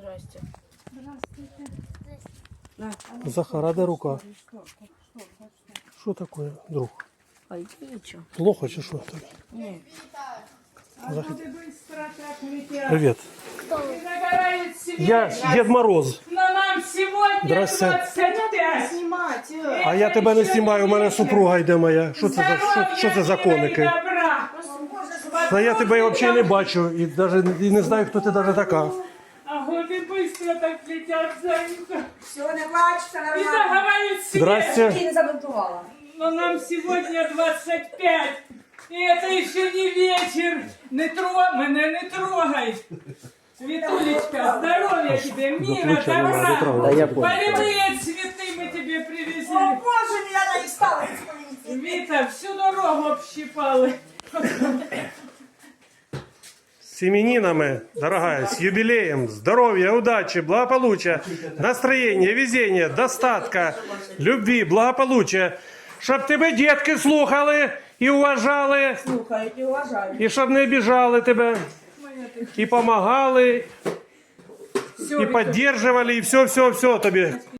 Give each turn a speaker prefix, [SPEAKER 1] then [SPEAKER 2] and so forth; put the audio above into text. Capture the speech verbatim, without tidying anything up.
[SPEAKER 1] Здрасте.
[SPEAKER 2] Захар, а де рука? Що таке, друг?
[SPEAKER 1] Ой, нічого.
[SPEAKER 2] Плохо чи що тобі?
[SPEAKER 1] Ні.
[SPEAKER 2] Захар. Привіт. Я Дед Мороз.
[SPEAKER 3] Но нам сегодня
[SPEAKER 2] Здрасте.
[SPEAKER 3] двадцать пять.
[SPEAKER 1] Знімати.
[SPEAKER 2] А я тебе не знімаю, у мене супруга йде моя. Що це за, що, що це за коники?
[SPEAKER 3] Добра.
[SPEAKER 2] Та я тебе взагалі не бачу і, даже, і не знаю, хто ти навіть така.
[SPEAKER 3] А годы быстро так летят за ним.
[SPEAKER 4] Все, не плачь, все
[SPEAKER 3] И
[SPEAKER 4] нормально.
[SPEAKER 3] заговорит себе.
[SPEAKER 2] Здрасте.
[SPEAKER 4] Ты не забунтовала.
[SPEAKER 3] Но нам сегодня двадцать пять. И это еще не вечер. Не трогай, меня не трогай. Светулечка, здоровья тебе, мира, добра.
[SPEAKER 2] Да я понял.
[SPEAKER 3] Полевые цветы мы тебе привезли.
[SPEAKER 4] О, боже, меня она не стала.
[SPEAKER 3] Вита, всю дорогу общипала.
[SPEAKER 2] С именинами, дорогая, с юбилеем, здоровья, удачи, благополучия, настроения, везения, достатка, любви, благополучия. Щоб тебе дітки слухали і уважали,
[SPEAKER 4] Слухай, и уважаю.
[SPEAKER 2] і щоб не обіжали тебе, і помагали,
[SPEAKER 3] Все,
[SPEAKER 2] і підтримували, і все-все-все тобі.